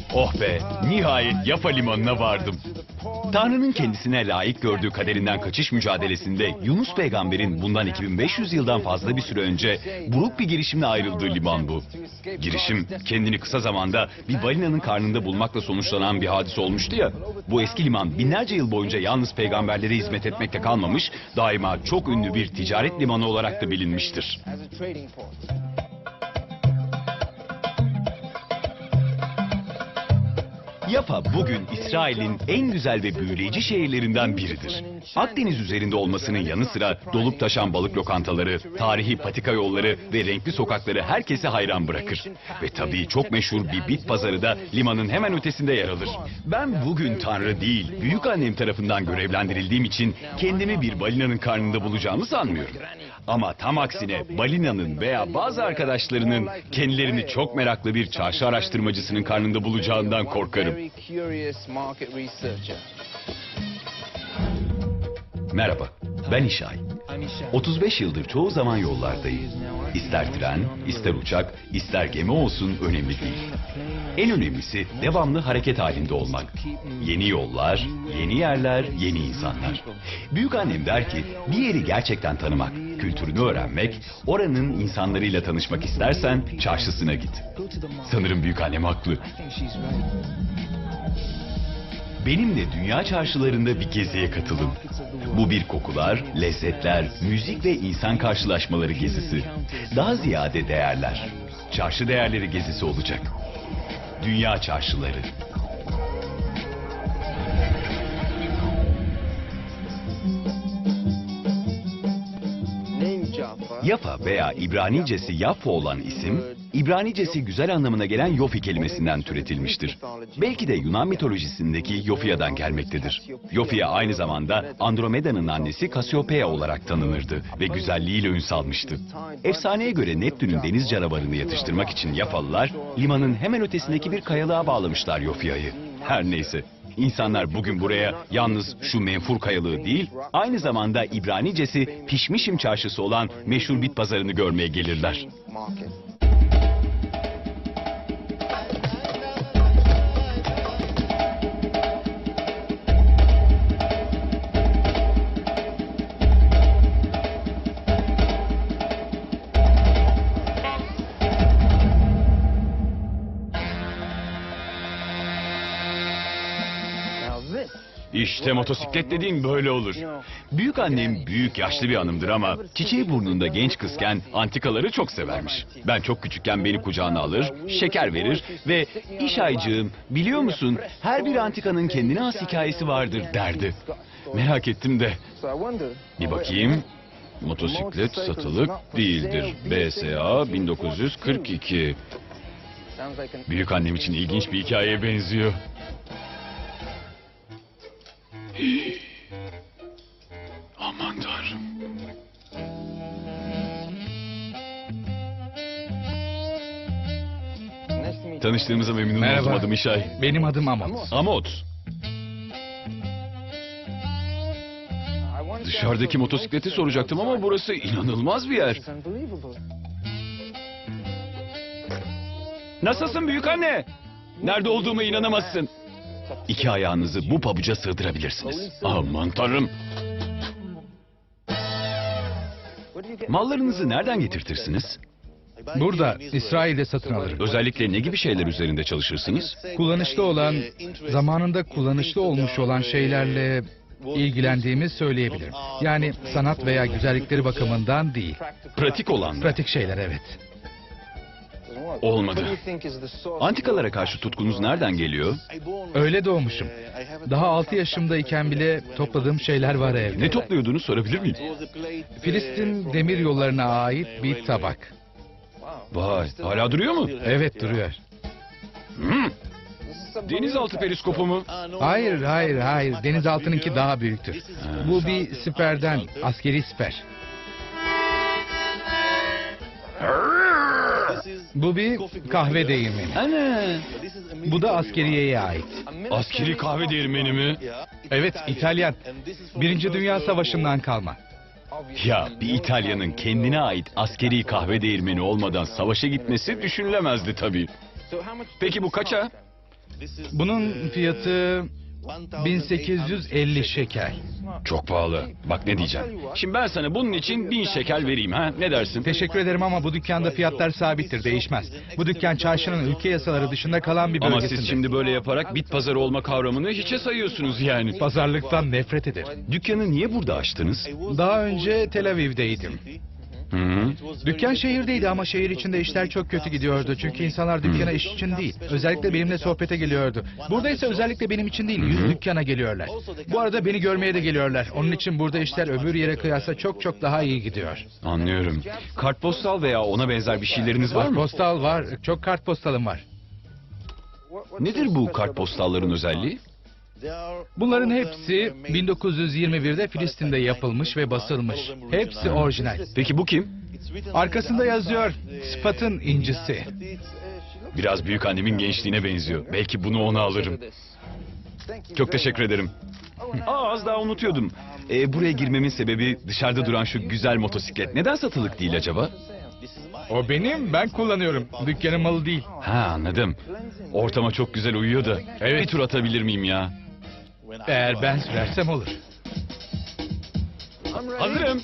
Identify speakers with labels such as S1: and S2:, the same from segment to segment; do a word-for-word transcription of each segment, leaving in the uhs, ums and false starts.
S1: Oh be, nihayet Yafa limanına vardım. Tanrı'nın kendisine layık gördüğü kaderinden kaçış mücadelesinde Yunus peygamberin bundan iki bin beş yüz yıldan fazla bir süre önce buruk bir girişimle ayrıldığı liman bu. Girişim kendini kısa zamanda bir balinanın karnında bulmakla sonuçlanan bir hadise olmuştu ya. Bu eski liman binlerce yıl boyunca yalnız peygamberlere hizmet etmekle kalmamış, daima çok ünlü bir ticaret limanı olarak da bilinmiştir. Yafa bugün İsrail'in en güzel ve büyüleyici şehirlerinden biridir. Akdeniz üzerinde olmasının yanı sıra dolup taşan balık lokantaları, tarihi patika yolları ve renkli sokakları herkese hayran bırakır. Ve tabii çok meşhur bir bit pazarı da limanın hemen ötesinde yer alır. Ben bugün Tanrı değil, büyükannem tarafından görevlendirildiğim için kendimi bir balinanın karnında bulacağımı sanmıyorum. Ama tam aksine balinanın veya bazı arkadaşlarının kendilerini çok meraklı bir çarşı araştırmacısının karnında bulacağından korkarım. Merhaba, ben İşay. otuz beş yıldır çoğu zaman yollardayım. İster tren, ister uçak, ister gemi olsun önemli değil. En önemlisi devamlı hareket halinde olmak. Yeni yollar, yeni yerler, yeni insanlar. Büyükannem der ki bir yeri gerçekten tanımak, kültürünü öğrenmek, oranın insanlarıyla tanışmak istersen çarşısına git. Sanırım büyükannem haklı. Benimle dünya çarşılarında bir geziye katılın. Bu bir kokular, lezzetler, müzik ve insan karşılaşmaları gezisi. Daha ziyade değerler. Çarşı değerleri gezisi olacak. Dünya çarşıları. Yafa veya İbranicesi Yaffa olan isim, İbranicesi güzel anlamına gelen Yofi kelimesinden türetilmiştir. Belki de Yunan mitolojisindeki Yofia'dan gelmektedir. Yofia aynı zamanda Andromeda'nın annesi Cassiopeia olarak tanınırdı ve güzelliğiyle ün salmıştı. Efsaneye göre Neptün'ün deniz canavarını yatıştırmak için Yafalılar, limanın hemen ötesindeki bir kayalığa bağlamışlar Yofia'yı. Her neyse. İnsanlar bugün buraya yalnız şu menfur kayalığı değil, aynı zamanda İbranicesi Pişmişim çarşısı olan meşhur bit pazarını görmeye gelirler. İşte motosiklet dediğim böyle olur. Büyükannem büyük yaşlı bir hanımdır ama çiçeği burnunda genç kızken antikaları çok severmiş. Ben çok küçükken beni kucağına alır, şeker verir ve İşaycığım biliyor musun her bir antikanın kendine has hikayesi vardır derdi. Merak ettim de bir bakayım. Motosiklet satılık değildir. B S A bin dokuz yüz kırk iki. Büyükannem için ilginç bir hikayeye benziyor. Aman Tanrım. Tanıştığımıza memnun
S2: Merhaba.
S1: oldum, adım İşay.
S2: Benim adım Amot.
S1: Amot. Dışarıdaki motosikleti soracaktım ama burası inanılmaz bir yer. Nasılsın büyük anne? Nerede olduğuma inanamazsın. İki ayağınızı bu pabuca sığdırabilirsiniz. Aman Tanrım. Mallarınızı nereden getirtirsiniz?
S2: Burada İsrail'de satın alırım.
S1: Özellikle ne gibi şeyler üzerinde çalışırsınız?
S2: Kullanışlı olan, zamanında kullanışlı olmuş olan şeylerle ilgilendiğimi söyleyebilirim. Yani sanat veya güzellikleri bakımından değil.
S1: Pratik olan mı?
S2: Pratik şeyler, evet.
S1: Olmadı. Antikalara karşı tutkunuz nereden geliyor?
S2: Öyle doğmuşum. Daha altı yaşımdayken bile topladığım şeyler var evde.
S1: Ne topluyordunuz sorabilir miyim?
S2: Filistin demir yollarına ait bir tabak.
S1: Vay, hala duruyor mu?
S2: Evet, duruyor.
S1: Hmm. Denizaltı periskopu mu?
S2: Hayır, hayır, hayır. Denizaltınınki daha büyüktür. Bu bir siperden, askeri siper. Bu bir kahve değirmeni.
S1: Ana.
S2: Bu da askeriyeye ait.
S1: Askeri kahve değirmeni mi?
S2: Evet, İtalyan. Birinci Dünya Savaşı'ndan kalma.
S1: Ya bir İtalyanın kendine ait askeri kahve değirmeni olmadan savaşa gitmesi düşünülemezdi tabii. Peki bu kaça?
S2: Bunun fiyatı bin sekiz yüz elli şekel.
S1: Çok pahalı. Bak ne diyeceğim. Şimdi ben sana bunun için bin şekel vereyim ha. Ne dersin?
S2: Teşekkür ederim ama bu dükkanda fiyatlar sabittir, değişmez. Bu dükkan çarşının ülke yasaları dışında kalan bir
S1: Ama
S2: bölgesinde.
S1: siz şimdi böyle yaparak bit pazarı olma kavramını hiçe sayıyorsunuz yani.
S2: Pazarlıktan nefret ederim.
S1: Dükkanı niye burada açtınız?
S2: Daha önce Tel Aviv'deydim.
S1: Hı -hı.
S2: Dükkan şehirdeydi ama şehir içinde işler çok kötü gidiyordu. Çünkü insanlar dükkana iş için değil, özellikle benimle sohbete geliyordu. Burada ise özellikle benim için değil, yüz dükkana geliyorlar. Bu arada beni görmeye de geliyorlar. Onun için burada işler öbür yere kıyasla çok çok daha iyi gidiyor.
S1: Anlıyorum. Kartpostal veya ona benzer bir şeyleriniz var mı?
S2: Kartpostal var, çok kartpostalım var.
S1: Nedir bu kartpostalların özelliği?
S2: Bunların hepsi bin dokuz yüz yirmi birde Filistin'de yapılmış ve basılmış. Hepsi orijinal.
S1: Peki bu kim?
S2: Arkasında yazıyor, Sıfat'ın incisi.
S1: Biraz büyük annemin gençliğine benziyor. Belki bunu ona alırım. Çok teşekkür ederim. Aa, az daha unutuyordum. Ee, buraya girmemin sebebi dışarıda duran şu güzel motosiklet. Neden satılık değil acaba?
S2: O benim, ben kullanıyorum. Dükkanın malı değil.
S1: Ha, anladım. Ortama çok güzel uyuyor da.
S2: Evet.
S1: Bir tur atabilir miyim ya?
S2: Eğer ben sürersem olur.
S1: Hazırım.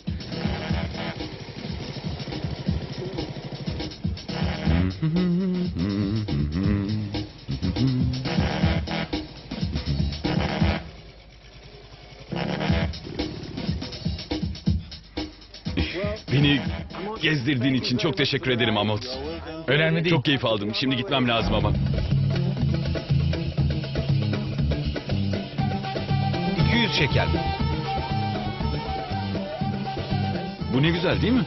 S1: Beni gezdirdiğin için çok teşekkür ederim Amot.
S2: Önemli değil.
S1: Çok keyif aldım. Şimdi gitmem lazım ama.
S2: iki yüz şekel.
S1: Bu ne güzel değil mi?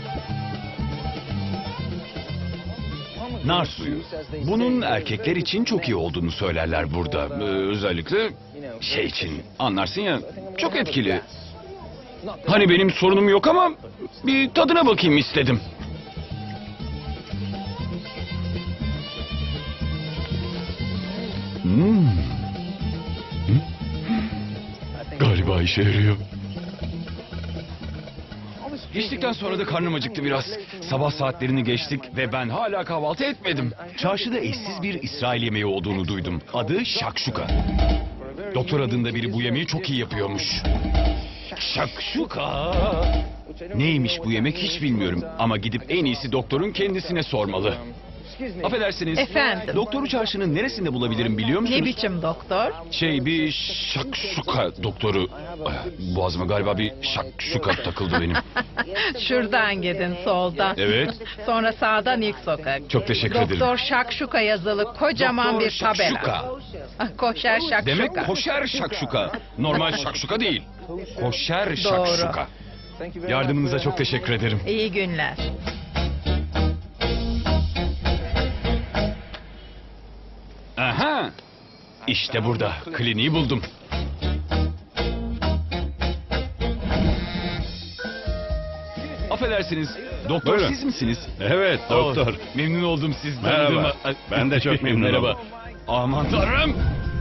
S1: Nar suyu. Bunun erkekler için çok iyi olduğunu söylerler burada. Ee, özellikle şey için. Anlarsın ya, çok etkili. Hani benim sorunum yok ama bir tadına bakayım istedim. Hmm. Hı? Galiba işe yarıyor. İçtikten sonra da karnım acıktı biraz. Sabah saatlerini geçtik ve ben hala kahvaltı etmedim. Çarşıda eşsiz bir İsrail yemeği olduğunu duydum. Adı şakşuka. Doktor adında biri bu yemeği çok iyi yapıyormuş. Şakşuka. Neymiş bu yemek hiç bilmiyorum. Ama gidip en iyisi doktorun kendisine sormalı. Affedersiniz.
S3: Efendim?
S1: Doktoru çarşının neresinde bulabilirim biliyor musunuz?
S3: Ne biçim doktor?
S1: Şey bir şakşuka doktoru. Ay, boğazıma galiba bir şakşuka takıldı benim.
S3: Şuradan gidin soldan.
S1: Evet.
S3: Sonra sağdan ilk sokak.
S1: Çok teşekkür ederim.
S3: Doktor Şakşuka yazılı kocaman
S1: Doktor
S3: bir tabela.
S1: Şakşuka.
S3: Ah, Koşer Şakşuka.
S1: Demek koşer şakşuka. Normal şakşuka değil. Koşer şakşuka. Yardımınıza çok teşekkür ederim.
S3: İyi günler.
S1: Aha! İşte burada. Kliniği buldum. Affedersiniz. Doktor
S4: Buyurun.
S1: siz misiniz?
S4: Evet doktor.
S1: Oh, memnun oldum siz
S4: Merhaba.
S1: tanıdığıma.
S4: Ben de çok memnun
S1: Merhaba.
S4: oldum.
S1: Aman tanrım.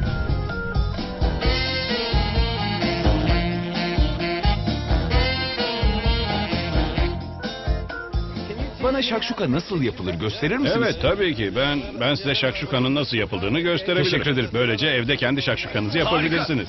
S1: Bana şakşuka nasıl yapılır gösterir misiniz?
S4: Evet tabii ki. Ben ben size şakşukanın nasıl yapıldığını gösterebilirim.
S1: Teşekkür ederim.
S4: Böylece evde kendi şakşukanızı yapabilirsiniz.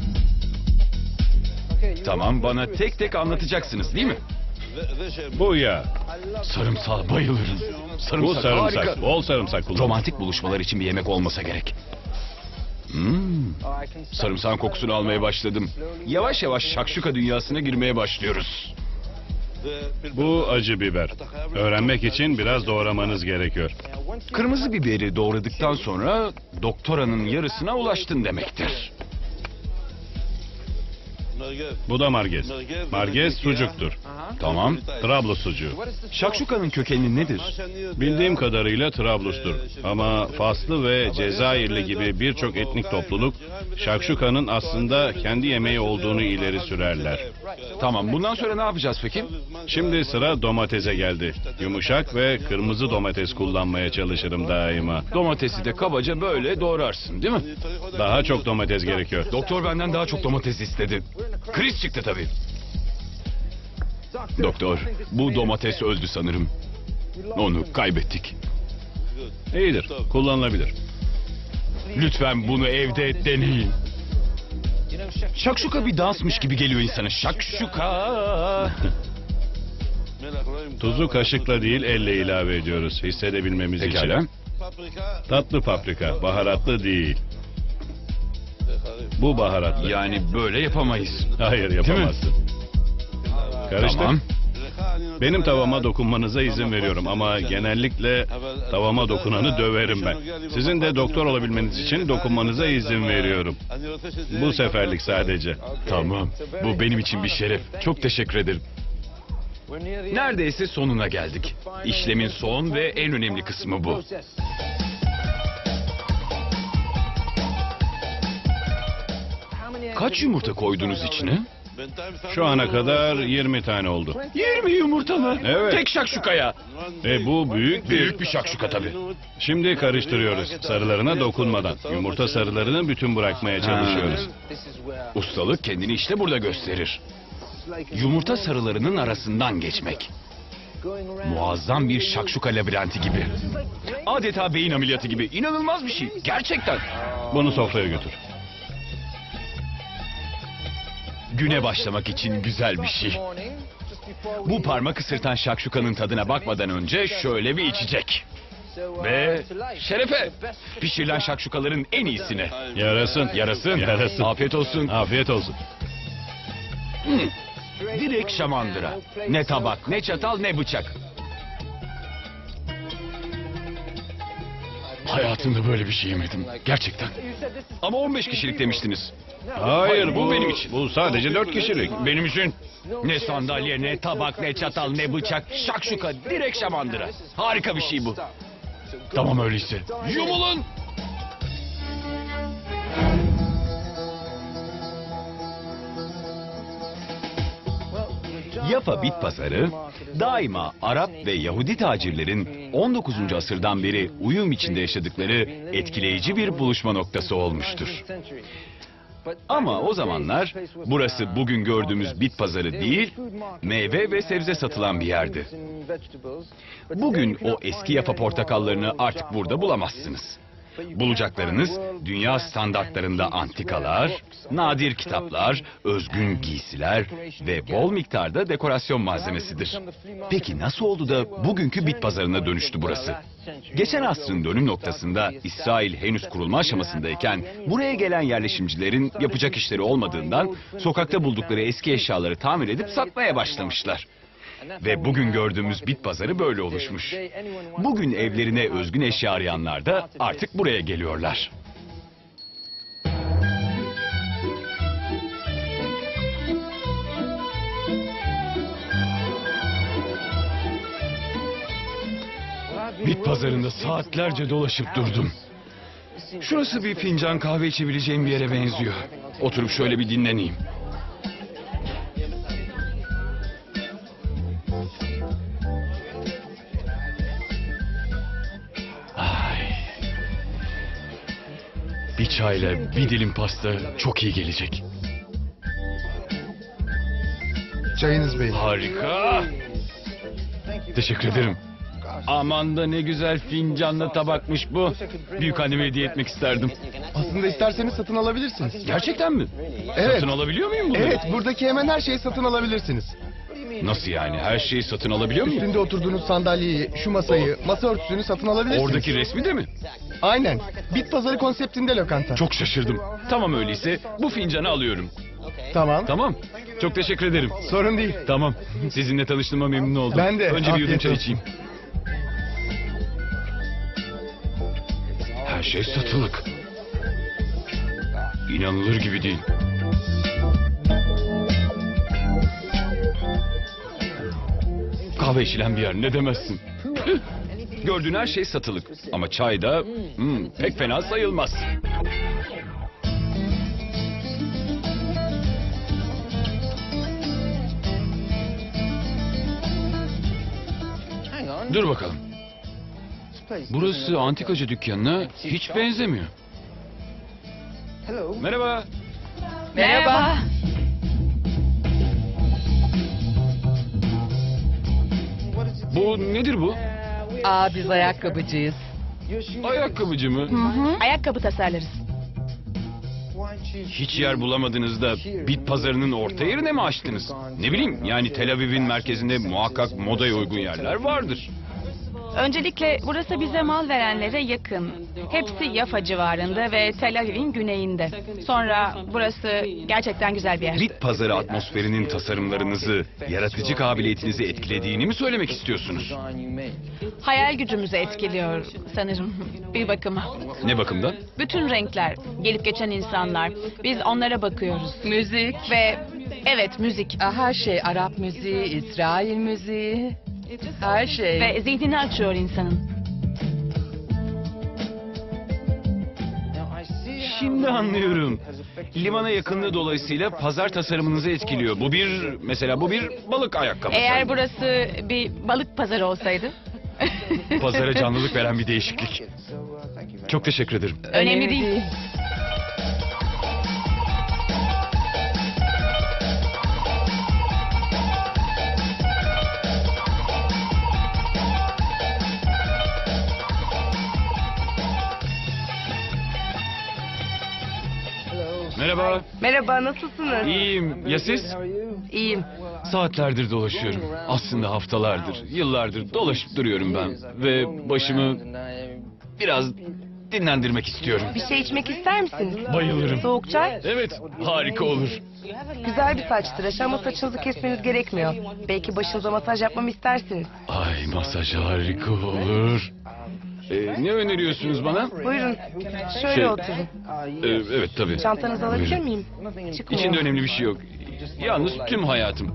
S1: Tamam, bana tek tek anlatacaksınız değil mi?
S4: Bu yağ,
S1: Sarımsağa bayılırım. Sarımsak,
S4: bu sarımsak,
S1: harika.
S4: bol sarımsak kullan.
S1: Romantik buluşmalar için bir yemek olmasa gerek. Hmm. Sarımsağın kokusunu almaya başladım. Yavaş yavaş şakşuka dünyasına girmeye başlıyoruz.
S4: Bu acı biber. Öğrenmek için biraz doğramanız gerekiyor.
S1: Kırmızı biberi doğradıktan sonra doktoranın yarısına ulaştın demektir.
S4: Bu da margez. Margez sucuktur.
S1: Tamam.
S4: Trablus sucuğu.
S1: Şakşukanın kökeni nedir?
S4: Bildiğim kadarıyla Trablus'tur. Ama Faslı ve Cezayirli gibi birçok etnik topluluk şakşukanın aslında kendi yemeği olduğunu ileri sürerler.
S1: Tamam, bundan sonra ne yapacağız peki?
S4: Şimdi sıra domatese geldi. Yumuşak ve kırmızı domates kullanmaya çalışırım daima.
S1: Domatesi de kabaca böyle doğrarsın değil mi?
S4: Daha çok domates gerekiyor.
S1: Doktor benden daha çok domates istedi. Kriz çıktı tabii. Doktor, bu domates öldü sanırım. Onu kaybettik.
S4: İyidir, kullanılabilir.
S1: Lütfen bunu evde deneyin. Şakşuka bir dansmış gibi geliyor insana. Şakşuka.
S4: Tuzu kaşıkla değil elle ilave ediyoruz hissedebilmemiz
S1: Pekala.
S4: için. Tatlı paprika, baharatlı değil. Bu baharatlı.
S1: Yani böyle yapamayız.
S4: Hayır yapamazsın. Karıştır.
S1: Tamam.
S4: Benim tavama dokunmanıza izin veriyorum ama genellikle tavama dokunanı döverim ben. Sizin de doktor olabilmeniz için dokunmanıza izin veriyorum. Bu seferlik sadece.
S1: Tamam. Bu benim için bir şeref. Çok teşekkür ederim. Neredeyse sonuna geldik. İşlemin son ve en önemli kısmı bu. Kaç yumurta koydunuz içine?
S4: Şu ana kadar yirmi tane oldu.
S1: yirmi yumurta mı?
S4: Evet.
S1: Tek şakşukaya.
S4: E bu büyük bir...
S1: Büyük bir şakşuka tabii.
S4: Şimdi karıştırıyoruz sarılarına dokunmadan. Yumurta sarılarını bütün bırakmaya çalışıyoruz.
S1: Ustalık kendini işte burada gösterir. Yumurta sarılarının arasından geçmek. Muazzam bir şakşuka labirenti gibi. Adeta beyin ameliyatı gibi. İnanılmaz bir şey. Gerçekten.
S4: Bunu sofraya götür.
S1: Güne başlamak için güzel bir şey. Bu parmak ısırtan şakşukanın tadına bakmadan önce şöyle bir içecek. Ve şerefe. Pişirilen şakşukaların en iyisine.
S4: Yarasın.
S1: Yarasın.
S4: Yarasın.
S1: Afiyet olsun.
S4: Afiyet olsun.
S1: Hmm. Direkt şamandıra. Ne tabak, ne çatal, ne bıçak. Hayatımda böyle bir şey yemedim. Gerçekten. Ama on beş kişilik demiştiniz.
S4: Hayır bu
S1: bu benim için.
S4: Bu sadece dört kişilik.
S1: Benim için. Ne sandalye, ne tabak, ne çatal, ne bıçak. Şakşuka, direkt şamandıra. Harika bir şey bu. Tamam öyleyse. Yumulun. Yafa Bit Pazarı daima Arap ve Yahudi tacirlerin on dokuzuncu asırdan beri uyum içinde yaşadıkları etkileyici bir buluşma noktası olmuştur. Ama o zamanlar burası bugün gördüğümüz bit pazarı değil, meyve ve sebze satılan bir yerdi. Bugün o eski Yafa portakallarını artık burada bulamazsınız. Bulacaklarınız dünya standartlarında antikalar, nadir kitaplar, özgün giysiler ve bol miktarda dekorasyon malzemesidir. Peki nasıl oldu da bugünkü bit pazarına dönüştü burası? Geçen asrın dönüm noktasında İsrail henüz kurulma aşamasındayken buraya gelen yerleşimcilerin yapacak işleri olmadığından sokakta buldukları eski eşyaları tamir edip satmaya başlamışlar. Ve bugün gördüğümüz bit pazarı böyle oluşmuş. Bugün evlerine özgün eşya arayanlar da artık buraya geliyorlar. Bit pazarında saatlerce dolaşıp durdum. Şurası bir fincan kahve içebileceğim bir yere benziyor. Oturup şöyle bir dinleneyim. Ay. Bir çayla bir dilim pasta çok iyi gelecek.
S5: Çayınız bey.
S1: Harika. Teşekkür ederim. Aman da ne güzel fincanlı tabakmış bu. Büyük anneme hediye etmek isterdim.
S5: Aslında isterseniz satın alabilirsiniz.
S1: Gerçekten mi?
S5: Evet.
S1: Satın alabiliyor muyum bunu?
S5: Evet, buradaki hemen her şeyi satın alabilirsiniz.
S1: Nasıl yani? Her şeyi satın alabiliyor muyum?
S5: Üstünde oturduğunuz sandalyeyi, şu masayı, masa örtüsünü satın alabilirsiniz.
S1: Oradaki resmi de mi?
S5: Aynen. Bit pazarı konseptinde lokanta.
S1: Çok şaşırdım. Tamam öyleyse bu fincanı alıyorum.
S5: Tamam.
S1: Tamam. Çok teşekkür ederim.
S5: Sorun değil.
S1: Tamam. Sizinle tanıştığıma memnun oldum.
S5: Ben de.
S1: Önce bir yudum
S5: Afiyet
S1: çay
S5: olsun.
S1: içeyim. Her şey satılık. İnanılır gibi değil. Kahve içilen bir yer ne demezsin. Gördüğün her şey satılık. Ama çay da hmm, pek fena sayılmaz. Dur bakalım. Burası antikacı dükkanına hiç benzemiyor. Merhaba.
S3: Merhaba.
S1: Bu nedir bu?
S3: Aa biz ayakkabıcıyız.
S1: Ayakkabıcı mı?
S3: Hı hı. Ayakkabı tasarlarız.
S1: Hiç yer bulamadınız da bit pazarının orta yerine mi açtınız? Ne bileyim, yani Tel Aviv'in merkezinde muhakkak modaya uygun yerler vardır.
S3: Öncelikle burası bize mal verenlere yakın. Hepsi Yafa civarında ve Tel Aviv'in güneyinde. Sonra burası gerçekten güzel bir yer.
S1: Bit pazarı atmosferinin tasarımlarınızı, yaratıcı kabiliyetinizi etkilediğini mi söylemek istiyorsunuz?
S3: Hayal gücümüzü etkiliyor sanırım bir bakıma.
S1: Ne bakımdan?
S3: Bütün renkler, gelip geçen insanlar. Biz onlara bakıyoruz.
S6: Müzik,
S3: Ve evet müzik.
S6: her şey Arap müziği, İsrail müziği, her şey.
S3: Ve zihnini açıyor insanın.
S1: Şimdi anlıyorum. Limana yakınlığı dolayısıyla pazar tasarımınızı etkiliyor. Bu bir, mesela bu bir balık ayakkabısı.
S3: Eğer burası bir balık pazarı olsaydı.
S1: Pazara canlılık veren bir değişiklik. Çok teşekkür ederim.
S3: Önemli değil.
S1: Merhaba.
S6: Merhaba, nasılsınız?
S1: İyiyim. Ya siz?
S6: İyiyim.
S1: Saatlerdir dolaşıyorum. Aslında haftalardır, yıllardır dolaşıp duruyorum ben. Ve başımı biraz dinlendirmek istiyorum.
S6: Bir şey içmek ister misiniz?
S1: Bayılırım.
S6: Soğuk çay?
S1: Evet, harika olur.
S6: Güzel bir saç tıraşı ama saçınızı kesmeniz gerekmiyor. Belki başınıza masaj yapmamı istersiniz.
S1: Ay, masaj harika olur. Ee, ne öneriyorsunuz bana?
S6: Buyurun, şöyle
S1: Şey-
S6: oturun.
S1: Ee, evet tabii.
S6: Çantanızı alabilir
S1: Buyurun.
S6: miyim? Çıkmıyor.
S1: İçinde önemli bir şey yok. Yalnız tüm hayatım.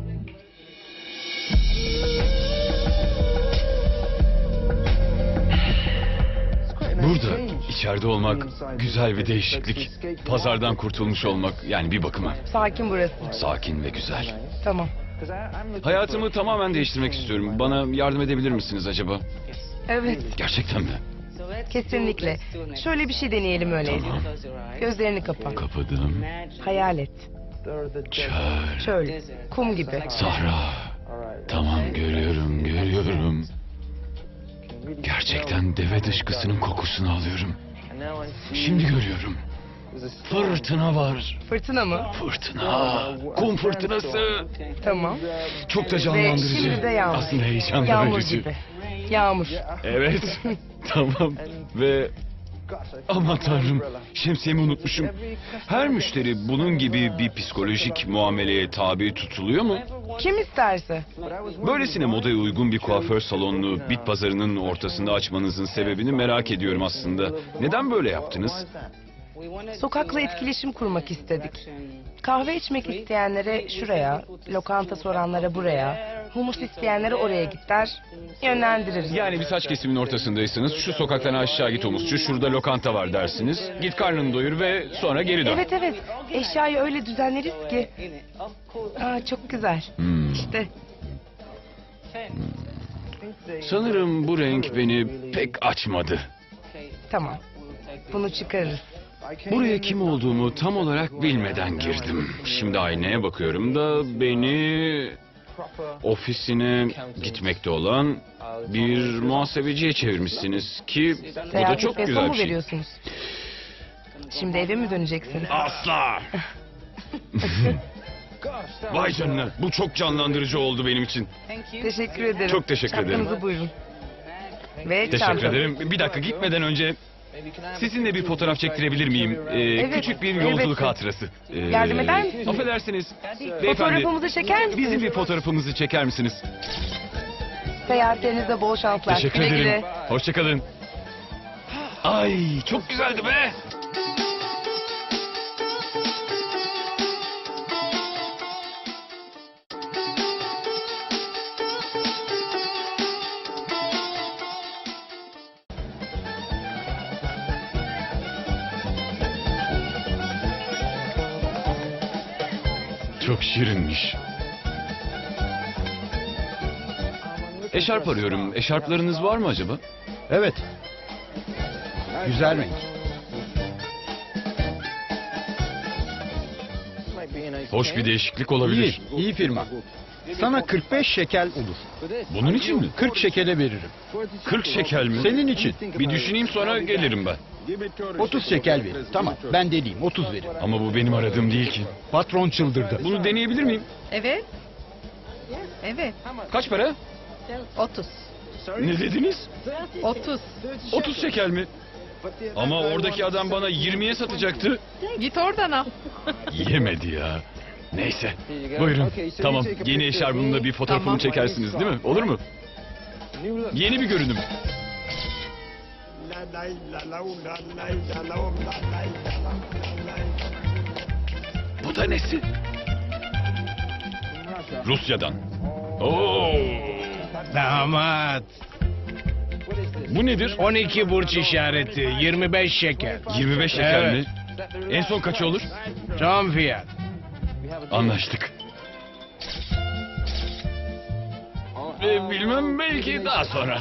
S1: Burada içeride olmak güzel bir değişiklik. Pazardan kurtulmuş olmak, yani bir bakıma
S6: Sakin burası.
S1: sakin ve güzel.
S6: Tamam.
S1: Hayatımı tamamen değiştirmek istiyorum. Bana yardım edebilir misiniz acaba?
S6: Evet,
S1: Gerçekten mi?
S6: kesinlikle. Şöyle bir şey deneyelim öyleyse.
S1: Tamam.
S6: Gözlerini kapa.
S1: Kapadım.
S6: Hayal et.
S1: Çöl,
S6: Çöl, kum gibi.
S1: sahra. Tamam, görüyorum, görüyorum. Gerçekten deve dışkısının kokusunu alıyorum. Şimdi görüyorum. Fırtına var.
S6: Fırtına mı?
S1: Fırtına. Kum fırtınası.
S6: Tamam.
S1: Çok da
S6: Ve
S1: canlandırıcı.
S6: şimdi de yağmur.
S1: Aslında heyecan
S6: Yağmur
S1: verici.
S6: gibi. Yağmur.
S1: Evet. Tamam. Ve aman tanrım, şemsiyemi unutmuşum. Her müşteri bunun gibi bir psikolojik muameleye tabi tutuluyor mu?
S6: Kim isterse.
S1: Böylesine modaya uygun bir kuaför salonunu bit pazarının ortasında açmanızın sebebini merak ediyorum aslında. Neden böyle yaptınız?
S6: Sokakla etkileşim kurmak istedik. Kahve içmek isteyenlere şuraya, lokanta soranlara buraya, humus isteyenlere oraya git der, yönlendiririz.
S1: Yani bir saç kesiminin ortasındaysanız şu sokaktan aşağı git humusçu, şurada lokanta var dersiniz. Git karnını doyur ve sonra geri dön.
S6: Evet evet, eşyayı öyle düzenleriz ki. Aa, çok güzel.
S1: Hmm.
S6: İşte
S1: Sanırım bu renk beni pek açmadı.
S6: tamam, bunu çıkarırız.
S1: Buraya kim olduğumu tam olarak bilmeden girdim. Şimdi aynaya bakıyorum da beni ofisine gitmekte olan bir muhasebeciye çevirmişsiniz ki bu da
S6: Seyahat
S1: çok
S6: etmeye
S1: güzel
S6: son mu
S1: bir şey.
S6: veriyorsunuz? Şimdi eve mi döneceksin?
S1: Asla! Vay canına, bu çok canlandırıcı oldu benim için.
S6: Teşekkür ederim.
S1: Çok teşekkür ederim.
S6: Çantanızı buyurun. Ve
S1: Teşekkür
S6: çantanız.
S1: ederim. Bir dakika, gitmeden önce sizinle bir fotoğraf çektirebilir miyim? Ee,
S6: Evet,
S1: küçük bir yolculuk
S6: elbette.
S1: hatırası. Ee,
S6: Yardım eder misiniz?
S1: Affedersiniz. Beyefendi,
S6: Fotoğrafımızı çeker misiniz?
S1: bizim bir fotoğrafımızı çeker misiniz?
S6: Seyahatlerinizde bol şanslar.
S1: Teşekkür
S6: Güle
S1: ederim.
S6: güle.
S1: Hoşçakalın. Ay, çok güzeldi be. Çok şirinmiş. Eşarp arıyorum. Eşarplarınız var mı acaba?
S5: Evet. Güzel renk.
S1: Hoş bir değişiklik olabilir.
S5: İyi, iyi firma.
S7: Sana kırk beş şekel olur.
S1: Bunun için mi?
S7: kırk şekele veririm.
S1: kırk şekel mi?
S7: Senin için.
S1: Bir düşüneyim sonra gelirim ben.
S7: otuz şekel veririm. Tamam, ben deliyim, otuz veririm.
S1: Ama bu benim aradığım değil ki.
S7: Patron çıldırdı.
S1: Bunu deneyebilir miyim?
S8: Evet. Evet.
S1: Kaç para?
S8: otuz.
S1: Ne dediniz?
S8: otuz.
S1: otuz şekel mi? Ama oradaki adam bana yirmiye satacaktı.
S8: Git oradan al.
S1: Yemedi ya. Neyse. Buyurun. Tamam. Yeni eşarbımla bir fotoğrafımı
S8: Tamam.
S1: çekersiniz değil mi? Olur mu? Yeni bir görünüm. Bu da nesi? Rusya'dan. Oo.
S9: Damat.
S1: Bu nedir?
S9: on iki burç işareti. yirmi beş şeker.
S1: yirmi beş şeker
S9: Evet.
S1: mi? En son kaçı olur?
S9: Tam fiyat.
S1: Anlaştık. Ee, bilmem, belki daha sonra.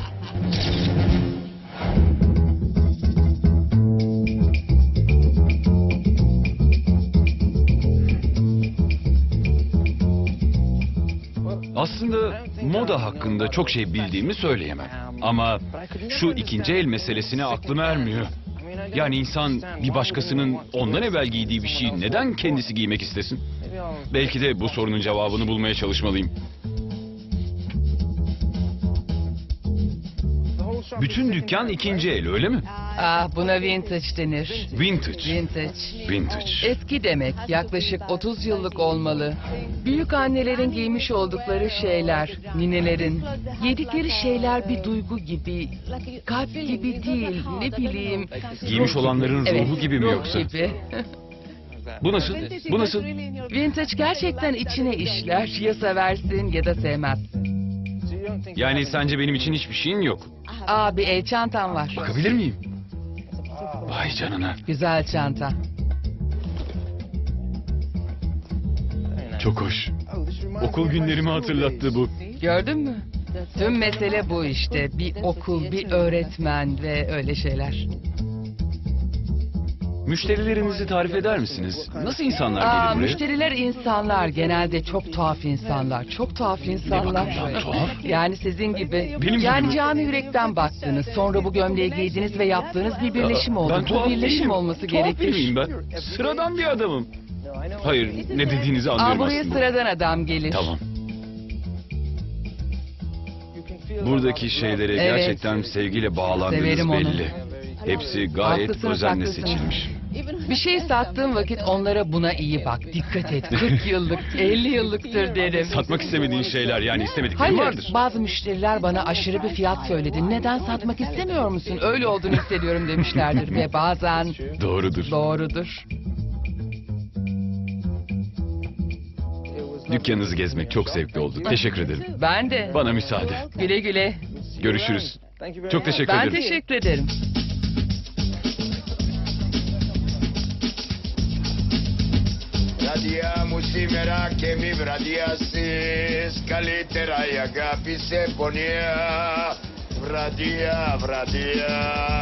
S1: Aslında moda hakkında çok şey bildiğimi söyleyemem. Ama şu ikinci el meselesine aklım ermiyor. Yani insan bir başkasının ondan evvel giydiği bir şeyi neden kendisi giymek istesin? Belki de bu sorunun cevabını bulmaya çalışmalıyım. Bütün dükkan ikinci el, öyle mi?
S10: Ah, buna vintage denir.
S1: Vintage.
S10: Vintage.
S1: Vintage.
S10: Eski demek, yaklaşık otuz yıllık olmalı. Büyük annelerin giymiş oldukları şeyler, ninelerin. Yedikleri şeyler bir duygu gibi, kalp gibi değil, ne bileyim.
S1: Giymiş
S10: ruh
S1: olanların
S10: gibi.
S1: ruhu
S10: Evet,
S1: gibi mi
S10: ruh
S1: yoksa?
S10: gibi.
S1: Bu nasıl? Bu nasıl?
S10: Vintage gerçekten içine işler, ya seversin ya da sevmezsin.
S1: Yani sence benim için hiçbir şeyin yok.
S10: Aa, bir el çantam var.
S1: Bakabilir miyim? Vay canına.
S10: Güzel çanta.
S1: Çok hoş. Okul günlerimi hatırlattı bu.
S10: Gördün mü? Tüm mesele bu işte. Bir okul, bir öğretmen ve öyle şeyler.
S1: Müşterilerinizi tarif eder misiniz? Nasıl insanlar
S10: Aa,
S1: gelir buraya?
S10: müşteriler insanlar. Genelde çok tuhaf insanlar. Çok tuhaf insanlar.
S1: bakımdan tuhaf?
S10: Yani sizin gibi.
S1: Benim gibi
S10: yani
S1: mi?
S10: canı yürekten baktınız. Sonra bu gömleği giydiniz ve yaptığınız bir birleşim oldu.
S1: Ben
S10: Bu
S1: tuhaf
S10: birleşim
S1: değilim.
S10: olması
S1: Tuhaf
S10: gerekir.
S1: biri miyim ben? Sıradan bir adamım. Hayır, ne dediğinizi
S10: Aa,
S1: anlıyorum
S10: buraya
S1: aslında.
S10: sıradan adam gelir.
S1: Tamam. Buradaki şeylere
S10: Evet.
S1: gerçekten sevgiyle bağlandığınız
S10: Severim onu.
S1: belli. Hepsi gayet
S10: Haklısınız,
S1: özenle
S10: haklısınız.
S1: seçilmiş.
S10: Bir şey sattığım vakit onlara buna iyi bak. Dikkat et. kırk yıllık, elli yıllıktır derim.
S1: Satmak istemediğin şeyler, yani istemediklerin
S10: Hayır,
S1: vardır.
S10: bazı müşteriler bana aşırı bir fiyat söyledi. Neden satmak istemiyor musun? Öyle olduğunu hissediyorum demişlerdir ve bazen
S1: Doğrudur.
S10: doğrudur.
S1: Dükkanınızı gezmek çok zevkli oldu. Teşekkür ederim.
S10: Ben de.
S1: Bana müsaade.
S10: Güle güle.
S1: Görüşürüz. Çok teşekkür
S10: Ben
S1: ederim.
S10: teşekkür ederim.
S11: Βραδιά μου σήμερα και μη βραδιάσεις, καλύτερα η αγάπη σε πονιά. Βραδιά, βραδιά.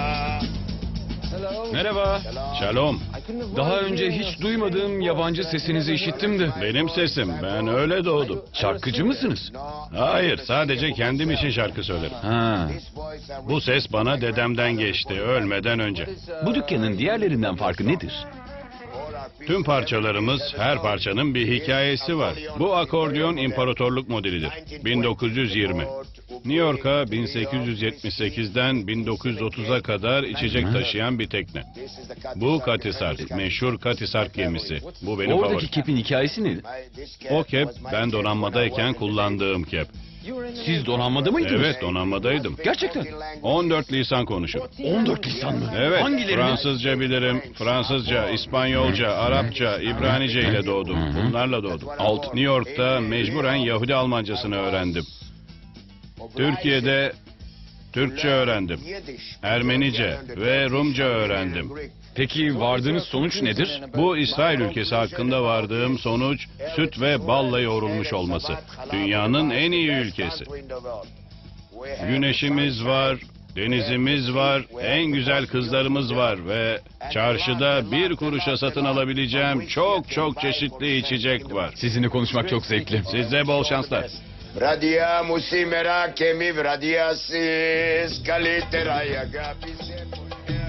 S1: Merhaba.
S4: Şalom.
S1: Daha önce hiç duymadığım yabancı sesinizi işittim de.
S4: Benim sesim. Ben öyle doğdum.
S1: Şarkıcı mısınız?
S4: Hayır, sadece kendim için şarkı söylerim.
S1: Ha.
S4: Bu ses bana dedemden geçti, ölmeden önce.
S1: Bu dükkanın diğerlerinden farkı nedir?
S4: Tüm parçalarımız, her parçanın bir hikayesi var. Bu akordeon imparatorluk modelidir. bin dokuz yüz yirmi. New York'a bin sekiz yüz yetmiş sekizden bin dokuz yüz otuza kadar içecek taşıyan bir tekne. Bu Katisark, meşhur Katisark gemisi. Bu benim
S1: Oradaki
S4: favorim.
S1: kepin hikayesi ne?
S4: O kep, ben donanmadayken kullandığım kep.
S1: Siz donanmada mıydınız?
S4: Evet, donanmadaydım.
S1: Gerçekten.
S4: on dört lisan konuşurum.
S1: on dört lisan mı?
S4: Evet,
S1: Hangilerini?
S4: Fransızca bilirim, Fransızca, İspanyolca, Arapça, İbranice ile doğdum. Bunlarla doğdum. Alt New York'ta mecburen Yahudi Almancasını öğrendim. Türkiye'de Türkçe öğrendim. Ermenice ve Rumca öğrendim.
S1: Peki vardığınız sonuç nedir?
S4: Bu İsrail ülkesi hakkında vardığım sonuç süt ve balla yoğrulmuş olması. Dünyanın en iyi ülkesi. Güneşimiz var, Denizimiz var, en güzel kızlarımız var ve çarşıda bir kuruşa satın alabileceğim çok çok çeşitli içecek var.
S1: Sizinle konuşmak çok zevkli.
S4: Size bol şanslar.
S11: Βραδιά μου σήμερα και μη βραδιάσεις, καλύτερα η αγάπη σε πονιά.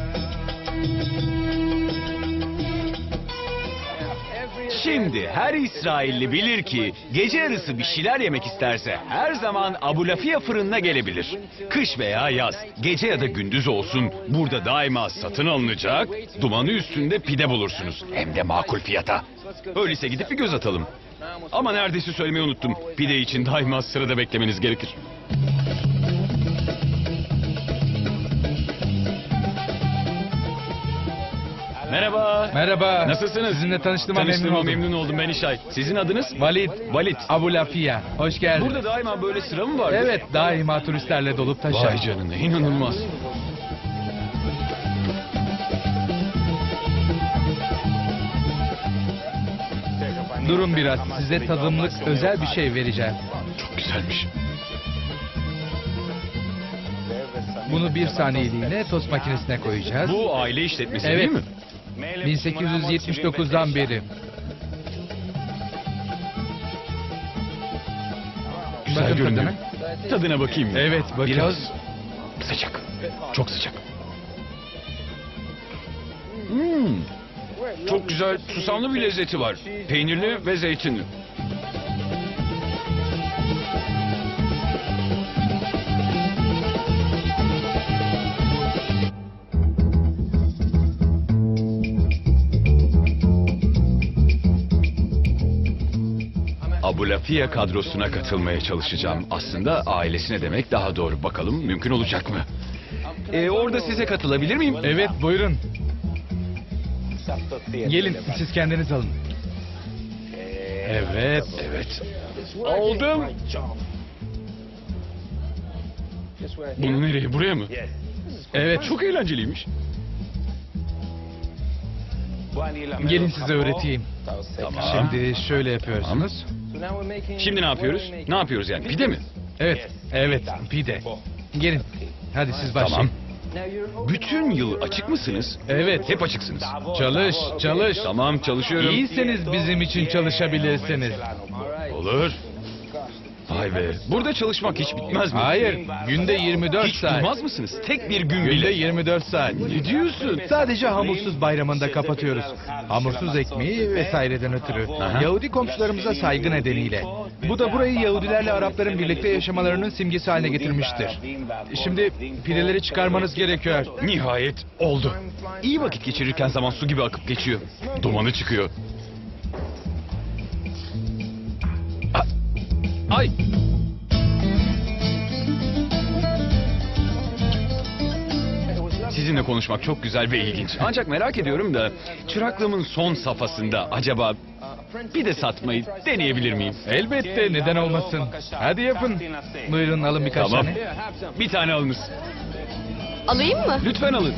S1: Şimdi her İsrailli bilir ki gece yarısı bir şeyler yemek isterse her zaman Abulafia fırınına gelebilir. Kış veya yaz, gece ya da gündüz olsun burada daima satın alınacak, dumanı üstünde pide bulursunuz. Hem de makul fiyata. Öyleyse gidip bir göz atalım. Ama neredeyse söylemeyi unuttum. Pide için daima sırada beklemeniz gerekir. Merhaba.
S2: Merhaba.
S1: Nasılsınız?
S2: Sizinle tanıştığıma memnun
S1: Tanıştığıma
S2: oldum.
S1: memnun oldum. Ben İşay. Sizin adınız?
S2: Valid.
S1: Valit.
S2: Abulafia. Hoş geldin.
S1: Burada daima böyle sıra mı var?
S2: Evet, daima turistlerle dolup taşar.
S1: Vay canına, inanılmaz.
S2: Durun biraz, size tadımlık özel bir şey vereceğim.
S1: Çok güzelmiş.
S2: Bunu bir saniyeliğine tost makinesine koyacağız.
S1: Bu aile işletmesi
S2: Evet.
S1: değil mi?
S2: bin sekiz yüz yetmiş dokuzdan beri.
S1: Güzel
S2: Bakın
S1: görünüyor.
S2: tadına.
S1: Tadına bakayım mı?
S2: Evet, bakın.
S1: Biraz sıcak. Çok sıcak. Hmm. Çok güzel, susamlı bir lezzeti var. Peynirli ve zeytinli. Abulafia kadrosuna katılmaya çalışacağım. Aslında ailesine demek daha doğru. Bakalım mümkün olacak mı? Ee, orada size katılabilir miyim?
S2: Evet, buyurun. Gelin, siz kendiniz alın. Evet.
S1: Evet. Aldım. Bunu nereye? Buraya mı?
S2: Evet,
S1: Çok eğlenceliymiş.
S2: gelin size öğreteyim.
S1: Tamam.
S2: Şimdi şöyle yapıyorsunuz.
S1: Şimdi ne yapıyoruz? Ne yapıyoruz yani? Pide mi?
S2: Evet, evet, pide. Gelin, hadi siz başlayın.
S1: Tamam. Bütün yıl açık mısınız?
S2: Evet.
S1: Hep açıksınız.
S2: Çalış, çalış.
S1: Tamam, çalışıyorum.
S2: İyiyseniz bizim için çalışabilirsiniz.
S1: Olur. Vay be. Burada çalışmak hiç bitmez mi?
S2: Hayır, günde yirmi dört
S1: Hiç
S2: saat.
S1: durmaz mısınız? Tek bir gün
S2: Günde
S1: bile.
S2: yirmi dört saat.
S1: Ne diyorsun?
S2: Sadece hamursuz bayramında kapatıyoruz. Hamursuz ekmeği vesaireden ötürü.
S1: Aha.
S2: Yahudi komşularımıza saygı nedeniyle. Bu da burayı Yahudilerle Arapların birlikte yaşamalarının simgesi haline getirmiştir. Şimdi pideleri çıkarmanız gerekiyor.
S1: Nihayet oldu. İyi vakit geçirirken zaman su gibi akıp geçiyor. Dumanı çıkıyor. A- Ay! Sizinle konuşmak çok güzel ve ilginç. Ancak merak ediyorum da çıraklığımın son safhasında acaba bir de satmayı deneyebilir miyim?
S2: Elbette, neden olmasın. Hadi yapın. Buyurun, alın birkaç
S1: Tamam.
S2: tane.
S1: Bir tane alınız.
S3: Alayım mı?
S1: Lütfen alın.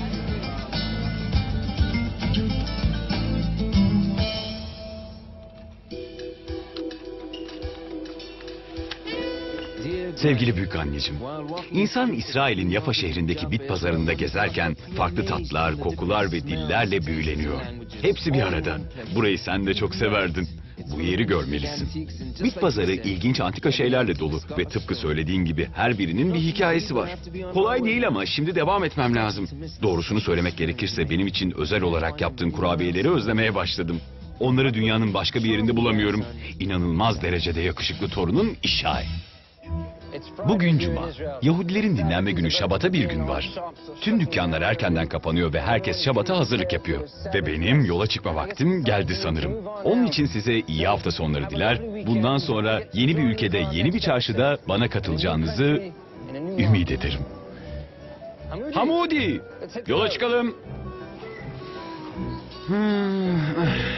S1: Sevgili büyük anneciğim, insan İsrail'in Yafa şehrindeki bit pazarında gezerken farklı tatlar, kokular ve dillerle büyüleniyor. Hepsi bir arada. Burayı sen de çok severdin. Bu yeri görmelisin. Bit pazarı ilginç antika şeylerle dolu ve tıpkı söylediğin gibi her birinin bir hikayesi var. Kolay değil ama şimdi devam etmem lazım. Doğrusunu söylemek gerekirse benim için özel olarak yaptığın kurabiyeleri özlemeye başladım. Onları dünyanın başka bir yerinde bulamıyorum. İnanılmaz derecede yakışıklı torunun İşay. Bugün Cuma. Yahudilerin dinlenme günü Şabat'a bir gün var. Tüm dükkanlar erkenden kapanıyor ve herkes Şabat'a hazırlık yapıyor. Ve benim yola çıkma vaktim geldi sanırım. Onun için size iyi hafta sonları diler. Bundan sonra yeni bir ülkede, yeni bir çarşıda bana katılacağınızı ümit ederim. Hamudi! Yola çıkalım. Hmm.